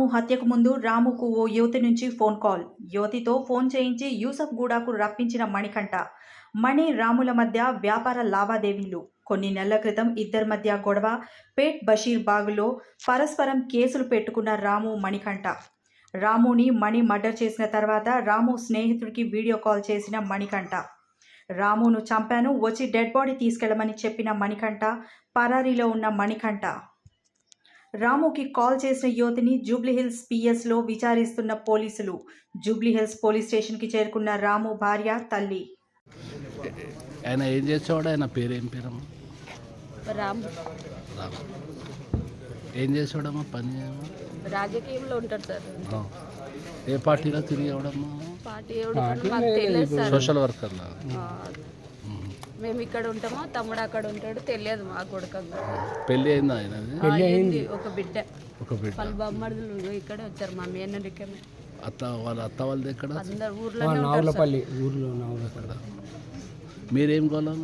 రాము హత్యకు ముందు రాముకు ఓ యువతి నుంచి ఫోన్ కాల్. యువతితో ఫోన్ చేయించి యూసఫ్ గూడకు రప్పించిన మణికంఠ. మణి రాముల మధ్య వ్యాపార లావాదేవీలు. కొన్ని నెలల క్రితం ఇద్దరి మధ్య గొడవ. పేట్ బషీర్ బాగులో పరస్పరం కేసులు పెట్టుకున్న రాము మణికంఠ. రాముని మణి మర్డర్ చేసిన తర్వాత రాము స్నేహితుడికి వీడియో కాల్ చేసిన మణికంఠ. రామును చంపాను, వచ్చి డెడ్ బాడీ తీసుకెళ్లమని చెప్పిన మణికంఠ. పరారీలో ఉన్న మణికంఠ. రాముకి కాల్ చేసిన యువతిని జూబ్లీహిల్స్ పిఎస్లో విచారిస్తున్న పోలీసులు. జూబ్లీహిల్స్ పోలీస్ స్టేషన్కి చేరుకున్న రాము భార్య, తల్లి. ఆయన ఏం చేసేవాడు? ఆయన పేరు ఏం పేరమ్మా? రాము. ఏం చేసేవాడమ్మా? పని రాజకీయంలో ఉంటాడు సార్. ఏ పార్టీలో తిరిగేవాడమ్మా? పార్టీ మాకు తెలియదు సార్. సోషల్ వర్కర్లా? మేము ఇక్కడ ఉంటామో, తమ్ముడు అక్కడ ఉంటాడు, తెలియదు మా కొడుకంగా. పెళ్ళి అయిందా ఆయన? ఒక బిడ్డ. వాళ్ళ బొమ్మడులు ఇక్కడే వచ్చారు, మా మేనరికే. వాళ్ళ అత్త వాళ్ళది ఎక్కడ? అందరు ఊర్లో. మీరేం కోలా?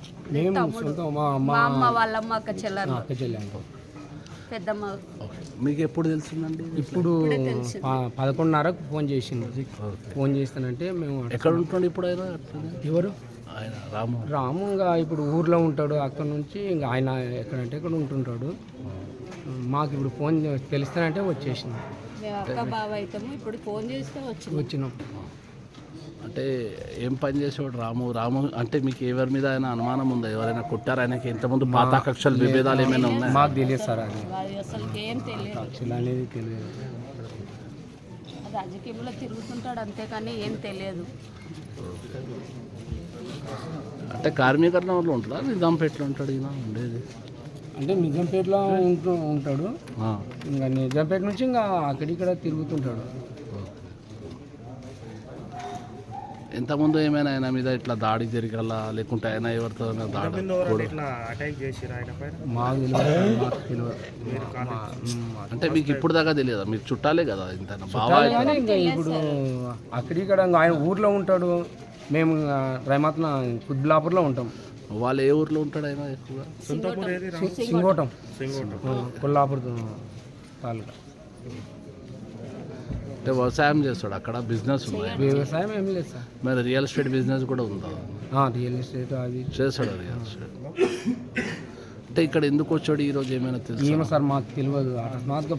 మా అమ్మ వాళ్ళమ్మ అక్క చెల్లెలు పెద్దమ్మ. మీకు ఎప్పుడు తెలుస్తుందండి? ఇప్పుడు 11:30కు ఫోన్ చేసింది. ఫోన్ చేస్తానంటే మేము ఎక్కడ ఉంటుండే ఇప్పుడు ఆయన? ఎవరు? ఆయన రాము ఇంకా ఇప్పుడు ఊర్లో ఉంటాడు. అక్కడ నుంచి ఇంకా ఆయన ఎక్కడంటే ఇక్కడ ఉంటుంటాడు. మాకు ఇప్పుడు ఫోన్ తెలుస్తానంటే వచ్చేసింది. మేము అక్క బావ అవుతాము. ఇప్పుడు ఫోన్ చేస్తే వచ్చినాం. అంటే ఏం పని చేసేవాడు రాము అంటే మీకు ఎవరి మీద ఆయన అనుమానం ఉందా? ఎవరైనా కొట్టారు ఆయనకి? ఇంతకుముందు పాత కక్షలు విభేదాలు ఏమైనా ఉన్నాయి? మాకు తెలియదు సార్. అది అసలు ఏం తెలియదు. కక్షలు అనేది తెలియదు. రాజకీయంలో తిరుగుతుంటాడు అంతేకాని ఏం తెలియదు. అంటే కార్మికరణ వాళ్ళు ఉంటారా? నిజాంపేటలో ఉంటాడు ఈయన ఉండేది? అంటే నిజాంపేటలో ఉంటాడు. ఇంకా నిజాంపేట నుంచి ఇంకా అక్కడిక్కడ తిరుగుతుంటాడు. ఇంతకుముందు ఏమైనా ఆయన మీద ఇట్లా దాడి జరగాలా, లేకుంటే ఆయన ఎవరితో దాడి? మాకు తెలియదు. అంటే మీకు ఇప్పుడు దాకా తెలియదా? మీరు చుట్టాలే కదా ఇంత బాగా? ఇంకా ఇప్పుడు అక్కడిక్కడ ఆయన ఊర్లో ఉంటాడు. మేము రైమాత్న కుద్బులాపూర్లో ఉంటాం. వాళ్ళు ఏ ఊర్లో ఉంటాడు ఆయన ఎక్కువగా? సింగోటం, కొల్లాపూర్ తాలూకా. అంటే వ్యవసాయం చేస్తాడు అక్కడ? బిజినెస్ ఉంది? వ్యవసాయం ఏం లేదు సార్. మరి రియల్ ఎస్టేట్ బిజినెస్ కూడా ఉందా? రియల్ ఎస్టేట్ అది చేస్తాడు. రియల్ ఎస్టేట్ అంటే ఇక్కడ ఎందుకు వచ్చాడు ఈరోజు ఏమైనా తెలుసు? ఏమో సార్ మాకు తెలియదు. అకస్మాత్గా